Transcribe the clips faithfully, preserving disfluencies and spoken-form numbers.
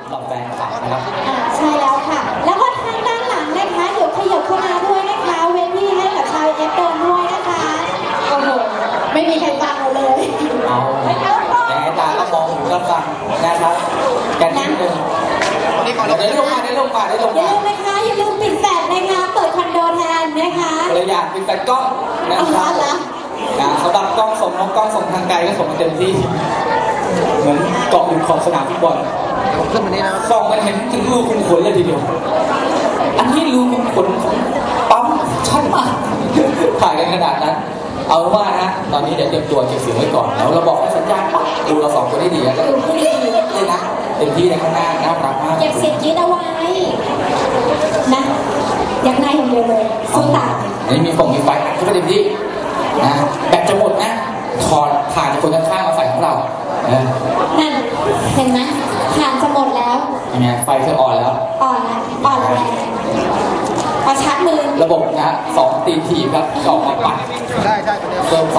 ำหรับแฟนคลับนะครับใช่แล้วค่ะแล้วก็ทางด้านหลังนะคะเดี๋ยวขยับเข้ามาด้วยนะคะเว้นที่ให้กับชาวเอฟเดินด้วยนะคะโอ้โหไม่มีใครฟังเราเลยเอาแต่ไอ้ตาก็มองอยู่ก็ฟังนะครับกันนิดนึงได้ลงมาได้ลงมาได้ลงมาอย่าลืมนะคะอย่าลืมปิดแฟลชนะคะเปิดคอนโดแทนนะคะเลยอยากปิดแฟลชกล้องนะครับสำหรับกล้องส่งน้องกล้องส่งทางไกลก็ส่งมาเต็มที่เหมือนเกาะอยู่ของสนามฟุตบอลขึ้นมานี่นะส่องมันเห็นถึงรูขุมขนเลยทีเดียวอันนี้รูขุมขนของปั๊มชัดมากถ่ายกันขนาดนั้นเอาว่านะตอนนี้เดี๋ยวเตรียมตัวเก็บเสียงไว้ก่อนแล้วเราบอกให้สัญญาณปั๊บดูเราสองคนได้ดีแล้วก็เลยนะเต็มที่ในข้างหน้าน่ารักมากเก็บเสียงยืดเอาไว้นะอยากนายอย่างเดียวเลยสู้ตายอันนี้มีฟงมีไฟทุกประเด็นที่นะแบตจะหมดนะถอดผ่านจากคนข้างๆมาใส่ของเรานั่นเห็นไหมผ่านจะหมดแล้วยังไงไฟเธออ่อนแล้วอ่อนแล้วอ่อนแล้วเอาชาร์จมือระบบนะสองตีทีครับออกมาปัดได้ได้เพิ่มไฟ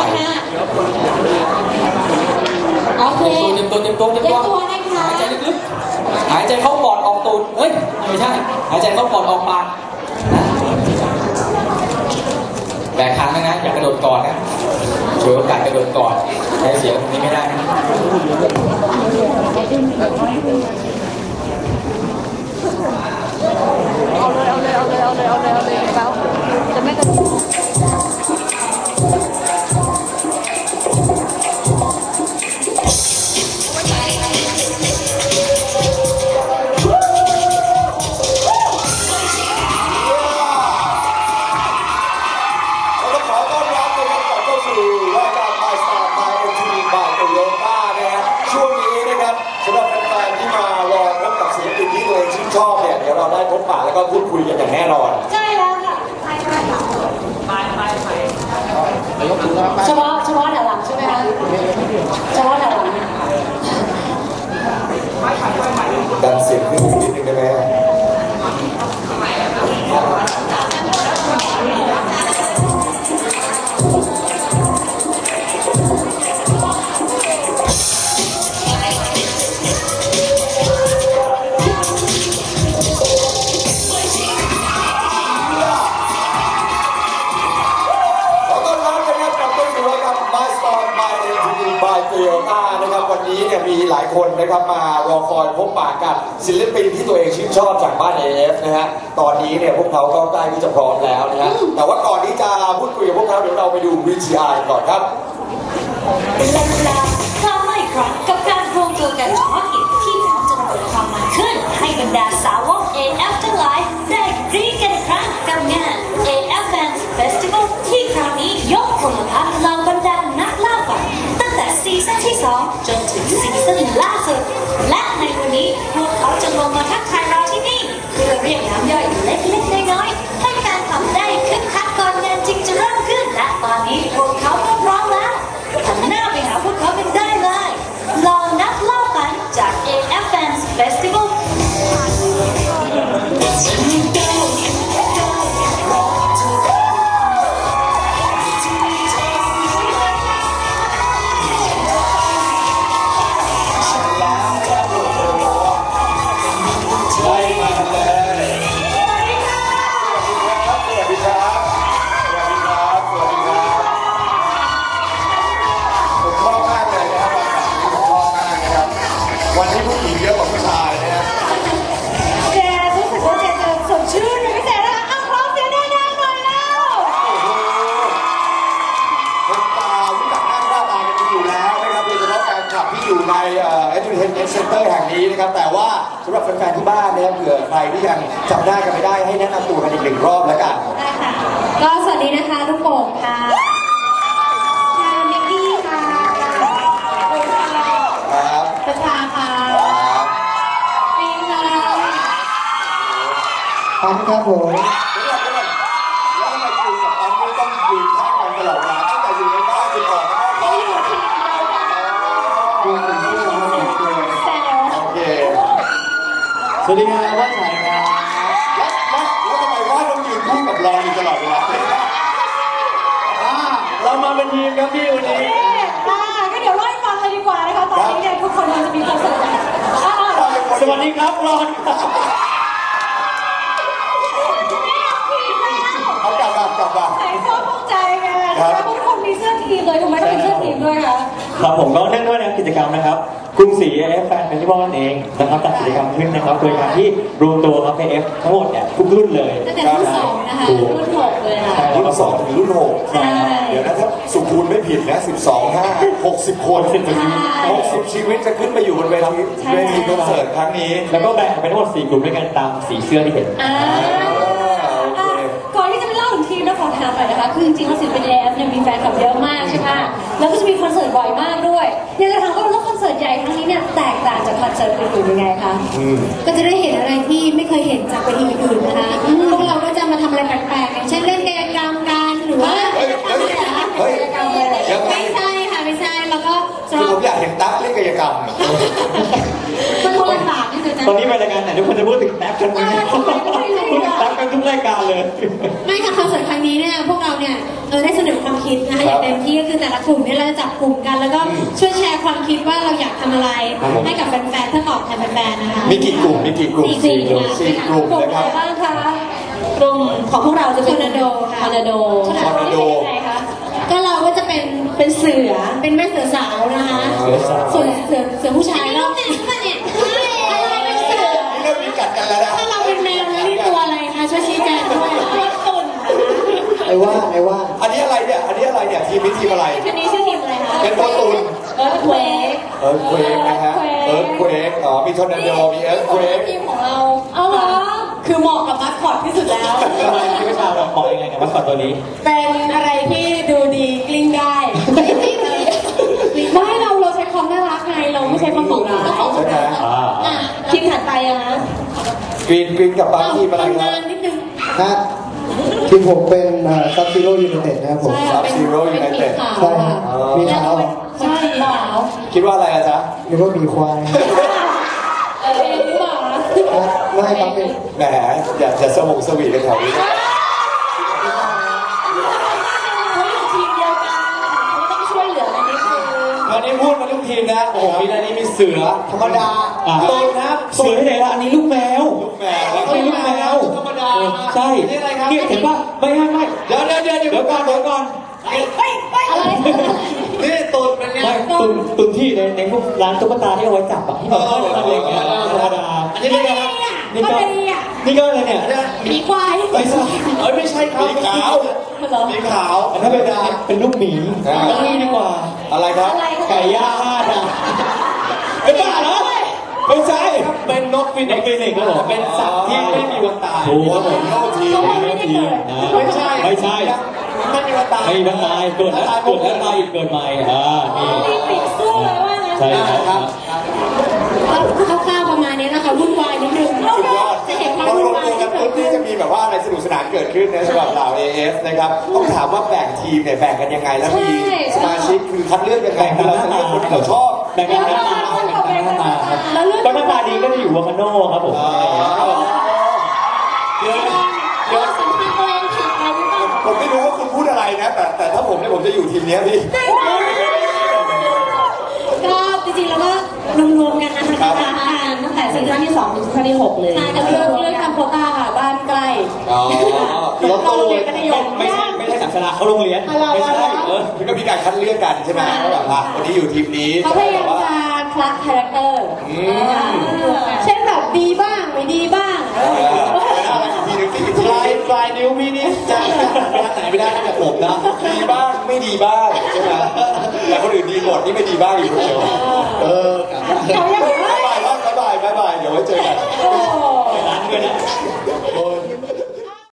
โอเคเต็มตัวเต็มตัวเต็มตัวหายใจลึกๆหายใจเข้าปอดออกตูดเฮ้ยไม่ใช่หายใจเข้าปอดออกปากแบกครั้งนะอย่ากระโดดก่อนนะช่วยโอกาสกระโดดก่อนใช้เสียงนี้ไม่ได้นะเอาเลยเอาเลยเอาเลยเอาเลยเอาเลยเอาเลยเอาจะไม่กระโดดชอบเนี่ยเดี๋ยวเราได้พบปะแล้วก็พูดคุยกันอย่างแน่นอนใช่แล้วค่ะไปไปไปเฉพาะเฉพาะด้านหลังใช่ไหมคะเฉพาะด้านหลังดันเสียงขึ้นนิดนึงได้ไหมนะครับวันนี้เนี่ยมีหลายคนนะครับมารอคอยพบปะกับศิลปินที่ตัวเองชื่นชอบจากบ้าน เอ เอฟ นะฮะตอนนี้เนี่ยพวกเขาก็ใกล้ที่จะพร้อมแล้วนะฮะแต่ว่าก่อนที่จะพูดคุยกับพวกเขาเดี๋ยวเราไปดู วี ที อาร์ ก่อนครับเป็นเวลาครั้งไม่ครั้งกับการรวมตัวกันเฉพาะกิจที่พร้อมจะระเบิดความมันขึ้นให้บรรดาสาวก เอ เอฟ ทั้งหลายได้กรี๊ดกันครั้งกับงาน เอ เอฟ Fans Festival ที่คราวนี้ยกพลพรรณเหล่าบรรดานักล่าฝันตั้งแต่ซีซั่นที่สองจนถึงซีซั่นล่าสุดและในวันนี้พวกเขาจะลงมาทักทายเราที่นี่เพื่อเรียกน้ำย่อยเล็กๆน้อยๆให้แฟนคลับได้คึกคักก่อนงานจริงจะเริ่มขึ้นและตอนนี้พวกเขาก็พร้อมแล้วหันหน้าไปหาพวกเขากันได้เลยลองนักเล่ากันจาก เอ เอฟ Fans Festival วันนี้ผู้หญิงเยอะกว่าผู้ชายนะฮะแกรู้สึกว่าแกจะสดชื่นเป็นพิเศษนะคะอ้าวพร้อมเสียงดังๆหน่อยแล้วคนตารู้จักหน้าค่าตากันอยู่แล้วนะครับโดยเฉพาะแฟนคลับที่อยู่ในเอ่อ Entertainment Center แห่งนี้นะครับแต่ว่าสำหรับแฟนๆที่บ้านเนี่ยเผื่อใครที่ยังจำได้กันไม่ได้ให้แนะนำตัวกันอีกหนึ่งรอบแล้วกันได้ค่ะก็สวัสดีนะคะทุกคนค่ะค่ะมิกกี้ค่ะครับประชาค่ะปีนค่ะปั๊มครับผมแล้วทำไมคุณกับปั๊มไม่ต้องยืนข้างกันตลอดเวลาตั้งแต่อยู่ในบ้านจนออกมาข้างนอกดูถึงที่เราเห็นตัวโอเคสวัสดีครับว่าใช่ครับแล้วแล้วแล้วทำไมว่าต้องยืนคู่กับเราอยู่ตลอดเวลาเรามาเป็นทีมครับพี่วันนี้ค่ะก็เดี๋ยวเล่าให้ฟังเลยดีกว่านะคะตอนนี้เนี่ยทุกคนเราจะมีคอนเสิร์ตอ่ะสวัสดีครับรอนเอากลับกลับกลับกลับใส่เสื้อภูมิใจไงแล้วทุกคนมีเสื้อทีมเลยทำไมต้องเป็นเสื้อทีมด้วยคะครับผมก็เนื่องด้วยในกิจกรรมนะครับกรุงศรี เอ เอฟ แฟนเฟสติวัลนั่นเองนะครับจัดกิจกรรมขึ้นนะครับโดยการที่รวมตัวครับ เอ เอฟ ทั้งหมดเนี่ยทุกรุ่นเลยตั้งแต่รุ่นสองนะคะรุ่นหกเลยค่ะรุ่นสองถึงรุ่นหกใช่เดี๋ยวนะถ้าสุคูณไม่ผิดนะสิบสองห้าหกสิบคนสิบชีวิตหกสิบชีวิตจะขึ้นไปอยู่บนเวทีเวทีคอนเสิร์ตครั้งนี้แล้วก็แบ่งเป็นทั้งหมดสี่กลุ่มด้วยกันตามสีเสื้อที่เห็นอ่าก่อนที่จะไปเล่าถึงทีมแล้วขอถามหน่อยนะคะคือจริงๆแล้วศิลปิน เอ เอฟ เนี่ยมีแฟนคลับเยอะมากใช่ไหมแล้วก็จะมีคอนเสิร์ตบ่อยมากด้วยอยากจะถามว่าแล้วคอนเสิร์ตใหญ่ครั้งนี้เนี่ยแตกต่างจากคอนเสิร์ตอื่นๆยังไงคะก็จะได้เห็นอะไรที่ไม่เคยเห็นจากเวทีอื่นๆนะคะพวกเราก็จะมาทำอะไรแปลกๆอย่างเช่นเล่นกายกรรมกันหรือว่าเฮ้ยเฮ้ยเฮ้ยยังไงไม่ใช่ค่ะไม่ใช่แล้วก็สำคือหผรับมอยากเห็นตั๊กเล่นกายกรรมมันคนละศาสตร์ที่จะตอนนี้เป็นรายการไหนทุกคนจะพูดถึงแท็บกันไหมพูดถึงแท็บกันทุกรายการเลยไม่ค่ะคอนเสิร์ตครั้งนี้เนี่ยพวกเราเนี่ยเออได้เสนอความคิดนะคะอย่างเต็มที่ก็คือแต่ละกลุ่มเนี่ยเราจะจับกลุ่มกัน แล้วก็ช่วยแชร์ความคิดว่าเราอยากทำอะไรให้กับแฟนๆเพื่อตอบแทนแฟนๆนะคะมีกี่กลุ่มมีกี่กลุ่มสี่กลุ่มสี่กลุ่มนะครับบ้างคะกลุ่มของพวกเราจะเป็นทอร์นาโดค่ะทอร์นาโดทอร์นาโดยังไงคะก็เราก็จะเป็นเป็นเสือเป็นแม่เสือสาวนะคะเสือสาวส่วนเสือเสือผู้ชายเราเป็นอะไรเนี่ยอะไรเป็นเสือนี่เริ่มมีกัดกันแล้วนะถ้าเราเป็นแมวแล้วนี่ตัวอะไรคะช่วยชี้แจงด้วยตัวตุ่นไอ้ว่าไอ้ว่าอันนี้อะไรเนี่ยอันนี้อะไรเนี่ยทีมนี้ทีมอะไรทีนี้ชื่อทีมอะไรคะเป็นตัวตูนเอิร์ธเควกเอิร์ธเควกนะฮะเอิร์ธเควกอ๋อมีทอร์นาโดมีเอิร์ธเควกทีมของเราเอาเหรอคือเหมาะกับมัสคอตที่สุดแล้วทำไมพี่ประชาเราบอกยังไงกับมัสคอตตัวนี้เป็นอะไรที่ดูดีกลิ้งได้ไม่เราเราใช้ความน่ารักไงเราไม่ใช้ความดุร้ายต้องของใช่ไหมอ่าอ่ะทีมถัดไปอะนะกรีนกรีนกับปาร์ทีมอะไรครับทำงานนิดนึงฮะทีมผมเป็นซับซีโร่ยูไนเต็ดนะครับผมใช่ค่ะเป็น Sub-Zero เป็น United ขาวใช่ครับมีเท้าใช่ขาวคิดว่าอะไรอะจ๊ะหรือว่ามีควายเออเป็นหรือเปล่าไม่ครับเป็นแหมอยากจะสมองสวีทกันแถวนี้เขาอยู่ทีมเดียวกันเขาต้องช่วยเหลือกันนิดนึงวันนี้พูดมาทุกทีมนะโอ้โหมีอันนี้มีเสือธรรมดาอ่าโดนนะเสือที่ไหนล่ะอันนี้ลูกแมวแหมอันนี้ลูกแมวธรรมดาใช่นี่อะไรครับนี่เห็นป่ะไม่ไม่ไม่เดี๋ยวเดี๋ยวเดี๋ยวเดี๋ยวเดี๋ยวก่อนเดี๋ยวก่อนอะไรนี่ตูนเป็นไงไม่ตุนตุนที่ในในพวกร้านตุ๊กตาที่เอาไว้จับอะที่แบบอะไรอย่างเงี้ยธรรมดาอันนี้อะไรครับนี่ก็นี่ก็อะไรเนี่ยมีควายไม่ใช่เอ้ยไม่ใช่ครับมีขาวเหรอมีขาวอันนั้นเป็นเป็นลูกหมีอ่าอันนี้ดีกว่าอะไรครับอะไรคะไก่ย่างห้าดาวเป็นบ้าเหรอไม่ใช่เป็นนกฟินิกซ์ฟินิกส์ครับผมเป็นสัตว์ที่ไม่มีวันตายถูกครับผมโลทีมไม่ใช่ไม่ใช่ไม่มีวันตายไม่มีวันตายเกิดแล้วเกิดแล้วตายอีกเกิดใหม่อ่านี่รีบปิดสู้เลยว่างั้นใช่ครับคร่าวๆประมาณนี้นะคะวุ่นวายนิดนึงสุดยอดจะเห็นความพอวุ่รนวมวายตัวกันปุ๊บนี่จะมีแบบว่าอะไรสนุกสนานเกิดขึ้นนะสำหรับเหล่า เอ เอฟ นะครับ ต้องถามว่าแบ่งทีมเนี่ยแบ่งกันยังไง แล้วมีสมาชิกคือคัดเลือกยังไงคือเราจะเลือกคนที่เราชอบแบ่งกันหน้าตาแบ่งกันหน้าตาครับแล้วเรื่องก็หน้าตาดีก็จะอยู่วาคาโน่ครับผมเดี๋ยวเดี๋ยวสัมภาษณ์ตัวเองผิดไปหรือเปล่าผมไม่รู้ว่าคุณพูดอะไรนะ แต่แต่ถ้าผมเนี่ยผมจะอยู่ทีมเนี้ยพี่ก็จริงๆแล้วก็รวมๆกันนะคะครับทำกันตั้งแต่ซีซั่นที่สองถึงซีซั่นที่หกเลยใช่แต่เลือกเลือกทำโควต้าค่ะบ้านใกล้อ๋อเราโตกันนิยมไม่ใช่ไม่ใช่สัมสระเขาโรงเรียนไม่ใช่เออมันก็มีการคัดเลือกกันใช่ไหมว่าแบบว่าวันนี้อยู่ทีมนี้เขาพยายามจะคลักคาแรคเตอร์อืมเช่นแบบดีบ้างไม่ดีบ้างเอออะไรอีกทีหนึงที่อีกทีปลายปลายนิ้วพี่นี่จะไปทางไหนไม่ได้นอกจากผมนะดีบ้างไม่ดีบ้างใช่ไหมแต่คนอื่นดีหมดนี่ไม่ดีบ้างอยู่คนเดียวเออเขายังไม่